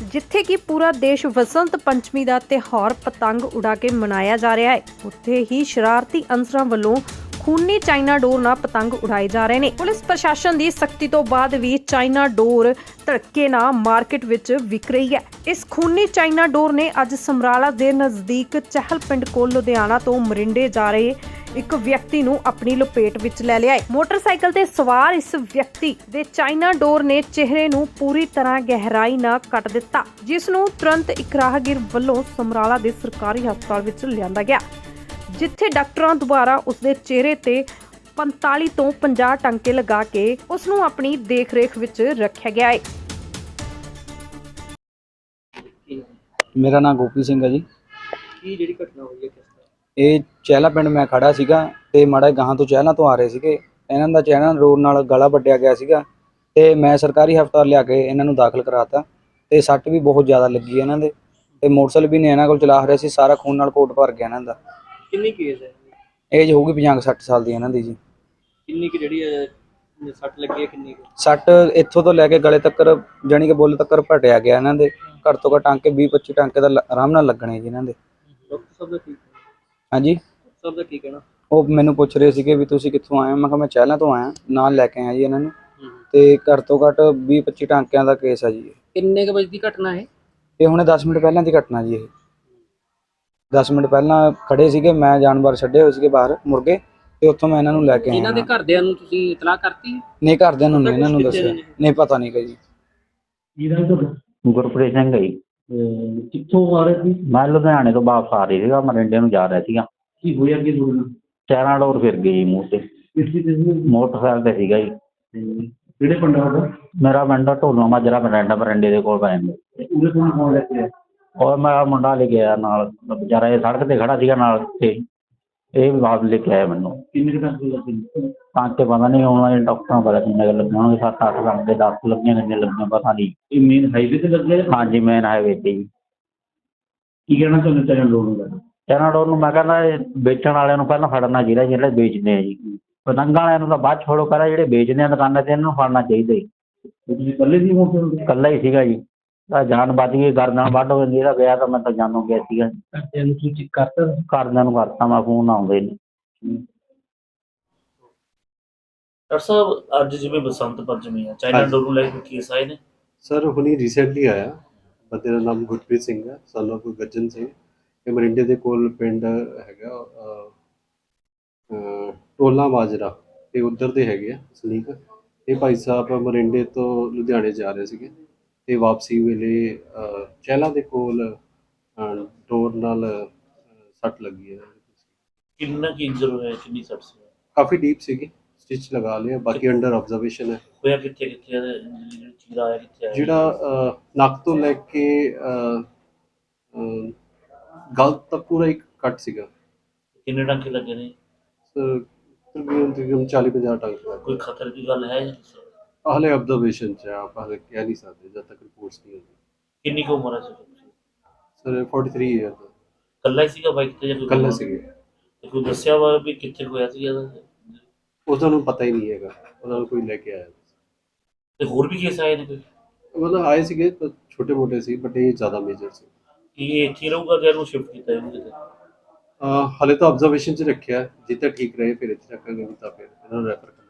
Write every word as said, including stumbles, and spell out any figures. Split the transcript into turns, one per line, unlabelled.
ਜਿੱਥੇ ਕਿ ਪੂਰਾ ਦੇਸ਼ ਵਸੰਤ ਪੰਚਮੀ ਦਾ ਤਿਉਹਾਰ ਪਤੰਗ ਉਡਾ ਕੇ ਮਨਾਇਆ ਜਾ ਰਿਹਾ ਹੈ, ਉੱਥੇ ਹੀ ਸ਼ਰਾਰਤੀ ਅਨਸਰਾਂ ਵੱਲੋਂ ਖੂਨੀ ਚਾਈਨਾ ਡੋਰ ਨਾਲ ਪਤੰਗ ਉਡਾਏ ਜਾ ਰਹੇ ਨੇ। ਪੁਲਿਸ ਪ੍ਰਸ਼ਾਸਨ ਦੀ ਸਖਤੀ ਤੋਂ ਬਾਅਦ ਵੀ ਚਾਈਨਾ ਡੋਰ ਧੜਕੇ ਨਾਲ ਮਾਰਕੀਟ ਵਿੱਚ ਵਿਕ ਰਹੀ ਹੈ। ਇਸ ਖੂਨੀ ਚਾਈਨਾ ਡੋਰ ਨੇ ਅੱਜ ਸਮਰਾਲਾ ਦੇ ਨਜ਼ਦੀਕ ਚਹਿਲ ਪਿੰਡ ਕੋਲ ਲੁਧਿਆਣਾ ਤੋਂ ਮਰਿੰਡੇ ਜਾ ਰਹੇ ਇੱਕ ਵਿਅਕਤੀ ਨੂੰ ਆਪਣੀ ਲਪੇਟ ਵਿੱਚ ਲੈ ਲਿਆ ਹੈ। ਮੋਟਰਸਾਈਕਲ ਤੇ ਸਵਾਰ ਇਸ ਵਿਅਕਤੀ ਦੇ ਚਾਈਨਾ ਡੋਰ ਨੇ ਚਿਹਰੇ ਨੂੰ ਪੂਰੀ ਤਰ੍ਹਾਂ ਗਹਿਰਾਈ ਨਾਲ ਕੱਟ ਦਿੱਤਾ, ਜਿਸ ਨੂੰ ਤੁਰੰਤ ਇੱਕ ਰਾਹਗੀਰ ਵੱਲੋਂ ਸਮਰਾਲਾ ਦੇ ਸਰਕਾਰੀ ਹਸਪਤਾਲ ਵਿੱਚ ਲਿਆਂਦਾ ਗਿਆ, ਜਿੱਥੇ ਡਾਕਟਰਾਂ ਦੁਆਰਾ ਉਸਦੇ ਚਿਹਰੇ ਤੇ ਪੰਤਾਲੀ ਤੋਂ ਪੰਜਾਹ ਟਾਂਕੇ ਲਗਾ ਕੇ ਉਸ ਨੂੰ ਆਪਣੀ ਦੇਖ-ਰੇਖ ਵਿੱਚ ਰੱਖਿਆ ਗਿਆ ਹੈ।
ਮੇਰਾ ਨਾਮ ਗੋਪੀ ਸਿੰਘ ਹੈ ਜੀ।
ਕੀ ਜਿਹੜੀ ਘਟਨਾ ਹੋਈ ਹੈ ਕਿਸ ਤਰ੍ਹਾਂ?
ਇਹ ਚਹਿਲਾ ਪਿੰਡ ਮੈਂ ਖੜਾ ਸੀਗਾ ਤੇ ਮਾੜਾ ਗਾਹਾਂ ਤੋਂ ਚਹਿਲਾਂ ਤੋਂ ਆ ਰਹੇ ਸੀਗੇ। ਇਹਨਾਂ ਦਾ ਚਾਈਨਾ ਡੋਰ ਨਾਲ ਗਲਾ ਵੱਢਿਆ ਗਿਆ ਸੀਗਾ ਤੇ ਮੈਂ ਸਰਕਾਰੀ ਹਸਪਤਾਲ ਲਿਆ ਕੇ ਇਹਨਾਂ ਨੂੰ ਦਾਖਲ ਕਰਾਤਾ ਤੇ ਸੱਟ ਵੀ ਬਹੁਤ ਜ਼ਿਆਦਾ ਲੱਗੀ ਇਹਨਾਂ ਦੇ ਤੇ ਮੋਟਰਸਾਈਕਲ ਵੀ ਨੇ ਇਹਨਾਂ ਕੋਲ ਚਲਾ ਰਿਹਾ ਸੀ, ਸਾਰਾ ਖੂਨ ਨਾਲ ਕੋਟ ਭਰ ਗਿਆ ਇਹਨਾਂ ਦਾ।
ਕਿੰਨੀ ਕੇਸ ਹੈ?
ਏਜ ਹੋਊਗੀ ਪੰਜਾਹ ਸੱਠ ਸਾਲ ਦੀ ਇਹਨਾਂ ਦੀ ਜੀ।
ਕਿੰਨੀ ਕਿ ਜਿਹੜੀ ਹੈ ਸੱਟ ਲੱਗੀ ਹੈ? ਕਿੰਨੀ ਕੁ?
ਸੱਟ ਇੱਥੋਂ ਤੋਂ ਲੈ ਕੇ ਗਲੇ ਤੱਕ ਜਾਣੀ ਕਿ ਬੁੱਲ ਤੱਕ ਭਟਿਆ ਗਿਆ ਇਹਨਾਂ ਦੇ। ਘੱਟ ਤੋਂ ਘੱਟ ਟਾਂਕੇ ਵੀਹ ਪੱਚੀ ਟਾਂਕੇ ਦਾ ਆਰਾਮ ਨਾਲ ਲੱਗਣੇ ਜੀ ਇਹਨਾਂ ਦੇ।
ਡਾਕਟਰ ਸਾਹਿਬ ਦਾ ਕੀ
ਹਾਂਜੀ,
ਡਾਕਟਰ ਸਾਹਿਬ ਦਾ ਕੀ ਕਹਿਣਾ?
ਉਹ ਮੈਨੂੰ ਪੁੱਛ ਰਹੇ ਸੀਗੇ ਵੀ ਤੁਸੀਂ ਕਿੱਥੋਂ ਆਏ ਹੋ। ਮੈਂ ਕਿਹਾ ਮੈਂ ਚਹਿਲਾਂ ਤੋਂ ਆਇਆ, ਨਾਲ ਲੈ ਕੇ ਆਇਆ ਜੀ ਇਹਨਾਂ ਨੂੰ ਤੇ ਘੱਟ ਤੋਂ ਘੱਟ ਵੀਹ ਪੱਚੀ ਟਾਂਕਿਆਂ ਦਾ ਕੇਸ ਆ ਜੀ।
ਕਿੰਨੇ ਕੁ ਵਜੇ ਦੀ ਘਟਨਾ ਹੈ
ਇਹ ਹੁਣੇ ਦਸ ਮਿੰਟ ਪਹਿਲਾਂ ਦੀ ਘਟਨਾ ਜੀ। ਇਹ ਦਸ ਮਿੰਟ ਪਹਿਲਾਂ ਖੜੇ ਸੀਗੇ, ਮੈਂ ਜਾਨਵਰ ਛੱਡੇ ਹੋਏ ਸੀਗੇ ਬਾਹਰ ਮੁਰਗੇ ਤੇ ਉੱਥੋਂ ਮੈਂ ਇਹਨਾਂ ਨੂੰ ਲੈ ਕੇ ਆਇਆ।
ਇਹਨਾਂ ਦੇ ਘਰਦਿਆਂ ਨੂੰ ਤੁਸੀਂ ਇਤਲਾਹ ਕਰਤੀ?
ਨਹੀਂ, ਘਰਦਿਆਂ ਨੂੰ ਨਹੀਂ ਇਹਨਾਂ ਨੂੰ ਦੱਸਿਆ, ਨਹੀਂ ਪਤਾ ਨਹੀਂ ਜੀ।
ਗੁਰਪ੍ਰੀਤ ਸਿੰਘ ਹੈ ਜੀ।
ਕਿੱਥੋਂ ਆ ਰਹੇ ਸੀ?
ਮੈਂ ਲੁਧਿਆਣੇ ਤੋਂ ਵਾਪਸ ਆ ਰਹੀ ਸੀਗਾ, ਮਰਿੰਡੇ ਨੂੰ ਜਾ ਰਿਹਾ ਸੀਗਾ।
ਕੀ ਹੋਇਆ ਕੀ ਹੋਇਆ?
ਚਾਈਨਾ ਡੋਰ ਫਿਰ ਗਈ ਜੀ ਮੂੰਹ ਤੇ। ਮੋਟਰਸਾਈਕਲ ਤੇ ਸੀਗਾ ਜੀ।
ਕਿਹੜੇ ਪਿੰਡ ਦਾ?
ਮੇਰਾ ਪਿੰਡ ਢੋਲੋ ਮਾਜਰਾ, ਮਰਿੰਡਾ ਮਰਿੰਡੇ ਦੇ ਕੋਲ ਪੈ ਜਾਂਦਾ।
ਉਹਦੇ ਕੋਲ ਕੌਣ ਲੈ ਕੇ ਆਇਆ?
ਔਰ ਮੈਂ ਮੁੰਡਾ ਲੈ ਕੇ ਆਇਆ ਨਾਲ, ਵਿਚਾਰਾ ਇਹ ਸੜਕ ਤੇ ਖੜਾ ਸੀਗਾ ਨਾਲ ਤੇ ਇਹ ਵੀ ਵਾਪਸ ਲੈ ਕੇ ਆਇਆ ਮੈਨੂੰ।
ਕਿੰਨੇ ਕੁ ਟਾਂਕੇ ਲੱਗੇ?
ਟਾਂਕੇ ਪਤਾ ਨਹੀਂ ਹੁਣ ਡਾਕਟਰਾਂ ਪਤਾ ਕਿੰਨੇ ਕੁ ਲੱਗੇ ਹੋਣਗੇ, ਸੱਤ ਅੱਠ ਟਾਂਕੇ, ਦਸ ਲੱਗੀਆਂ ਕਿੰਨੇ ਲੱਗੀਆਂ ਪਤਾ ਨਹੀਂ।
ਇਹ ਮੇਨ ਹਾਈਵੇ ਤੇ ਲੱਗੇ?
ਹਾਂਜੀ, ਮੇਨ ਹਾਈਵੇ ਤੇ ਜੀ।
ਕੀ ਕਹਿਣਾ ਚਾਹੁੰਦੇ ਚਾਈਨਾ ਡੋਰ ਨੂੰ?
ਚਾਈਨਾ ਡੋਰ ਨੂੰ ਮੈਂ ਕਹਿੰਦਾ ਇਹ ਵੇਚਣ ਵਾਲਿਆਂ ਨੂੰ ਪਹਿਲਾਂ ਫੜਨਾ ਚਾਹੀਦਾ, ਜਿਹੜੇ ਵੇਚਦੇ ਆ ਜੀ। ਪਤੰਗਾਂ ਵਾਲਿਆਂ ਨੂੰ ਤਾਂ ਬਾਅਦ ਛੋੜੋ, ਪਹਿਲਾਂ ਜਿਹੜੇ ਵੇਚਦੇ ਆ ਦੁਕਾਨਾਂ ਤੇ ਇਹਨਾਂ ਨੂੰ ਫੜਨਾ ਚਾਹੀਦਾ ਜੀ।
ਤੁਸੀਂ ਇਕੱਲੇ ਸੀ ਮੋਟਰ?
ਇਕੱਲਾ ਹੀ ਸੀਗਾ ਜੀ। ਤਾਂ ਜਾਨ ਬਚ ਗਈ, ਗਰਦਨ ਵੱਢ ਹੋ ਜਾਂਦੀ। ਇਹਦਾ ਗਿਆ ਤਾਂ ਮੈਂ ਤਾਂ ਜਾਨੋਂ ਗਿਆ ਸੀਗਾ।
ਘਰਦਿਆਂ ਨੂੰ ਸੂਚਿਤ ਕਰਤਾ?
ਘਰਦਿਆਂ ਨੂੰ ਕਰਤਾ ਮੈਂ ਫੋਨ, ਆਉਂਦੇ ਨੇ।
ਡਾਕਟਰ ਸਾਹਿਬ, ਅੱਜ ਜਿਵੇਂ ਬਸੰਤ ਪੰਚਮੀ ਆ, ਚਾਈਨਾ ਡੋਰ ਨੂੰ ਲੈ ਕੇ ਕੇਸ ਆਏ ਨੇ?
ਸਰ ਹੁਣੀ ਰੀਸੈਂਟਲੀ ਆਇਆ। ਬੰਦੇ ਦਾ ਨਾਮ ਗੁਰਪ੍ਰੀਤ ਸਿੰਘ ਹੈ, ਸਨ ਆਫ ਗੱਜਨ ਸਿੰਘ। ਇਹ ਮਰਿੰਡੇ ਦੇ ਕੋਲ ਪਿੰਡ ਹੈਗਾ ਟੋਲਾ ਮਾਜਰਾ, ਇਹ ਉੱਧਰ ਦੇ ਹੈਗੇ ਆ ਸਲੀਕ। ਇਹ ਭਾਈ ਸਾਹਿਬ ਮਰਿੰਡੇ ਤੋਂ ਲੁਧਿਆਣੇ ਜਾ ਰਹੇ ਸੀਗੇ ਤੇ ਵਾਪਸੀ ਵੇਲੇ ਚਹਿਲਾਂ ਦੇ ਕੋਲ ਡੋਰ ਨਾਲ ਸੱਟ ਲੱਗੀ ਹੈ।
ਕਿੰਨਾ ਕੀ ਇੰਜਰ ਹੋਇਆ? ਕਿੰਨੀ ਸੱਟ ਸੀ?
ਕਾਫੀ ਡੀਪ ਸੀਗੀ, ਸਟਿਚ ਲਗਾ ਲਿਆ, ਬਾਕੀ ਅੰਡਰ ਆਬਜ਼ਰਵੇਸ਼ਨ ਹੈ।
ਹੋਇਆ ਕਿੱਥੇ ਕਿੱਥੇ? ਜਿਹੜਾ ਚੀਰਾ ਆਇਆ ਕਿੱਥੇ ਆਇਆ?
ਜਿਹੜਾ ਨੱਕ ਤੋਂ ਲੈ ਕੇ ਗਲ ਤੱਕ ਪੂਰਾ ਇੱਕ ਕੱਟ ਸੀਗਾ।
ਕਿੰਨੇ ਟਾਂਕੇ ਲੱਗੇ ਨੇ?
ਸਰ ਤਕਰੀਬਨ ਤਕਰੀਬਨ ਚਾਲੀ ਪੰਜਾਹ ਟਾਂਕੇ ਲੱਗੇ।
ਕੋਈ ਖਤਰੇ ਦੀ ਗੱਲ ਹੈ?
ਹਾਲੇ ਆਬਜ਼ਰਵੇਸ਼ਨ 'ਚ ਆ, ਆਪਾਂ ਹਾਲੇ ਕਹਿ ਨਹੀਂ ਸਕਦੇ ਜਦ ਤੱਕ ਰਿਪੋਰਟਸ ਨਹੀਂ ਹੁੰਦੀ।
ਕਿੰਨੀ ਕੁ ਉਮਰ ਹੈ ਸਰ?
ਸਰ ਤੈਂਤਾਲੀ ਈਅਰ ਦਾ।
ਇਕੱਲਾ ਹੀ ਸੀਗਾ ਬਾਈਕ ਤੇ ਜਾਂ ਕੋਈ?
ਇਕੱਲਾ ਸੀਗੇ।
ਤੇ ਕੋਈ ਦੱਸਿਆ ਵਾ ਵੀ ਕਿੱਥੇ ਹੋਇਆ ਸੀ?
ਉਹਨਾਂ ਨੂੰ ਪਤਾ ਹੀ ਨਹੀਂ ਹੈਗਾ, ਉਹਨਾਂ ਨੂੰ ਕੋਈ ਲੈ ਕੇ ਆਇਆ।
ਤੇ ਹੋਰ ਵੀ ਕੇਸ ਆਏ ਨੇ ਕੋਈ?
ਮਤਲਬ ਆਏ ਸੀਗੇ ਪਰ ਛੋਟੇ ਮੋਟੇ ਸੀ, ਬਟ ਇਹ ਜ਼ਿਆਦਾ ਮੇਜਰ ਸੀ।
ਕੀ ਇਹ ਇੱਥੇ ਰਹੂਗਾ ਜਾਂ ਇਹਨੂੰ ਸ਼ਿਫਟ ਕੀਤਾ ਇਹਨੂੰ ਕਿਤੇ?
ਹਾਲੇ ਤਾਂ ਆਬਜ਼ਰਵੇਸ਼ਨ 'ਚ ਰੱਖਿਆ, ਜਿੱਦਾਂ ਠੀਕ ਰਹੇ ਫਿਰ ਇੱਥੇ ਰੱਖਾਂਗੇ, ਨਹੀਂ ਤਾਂ ਫਿਰ ਇਹਨਾਂ ਨੂੰ ਰੈਫਰ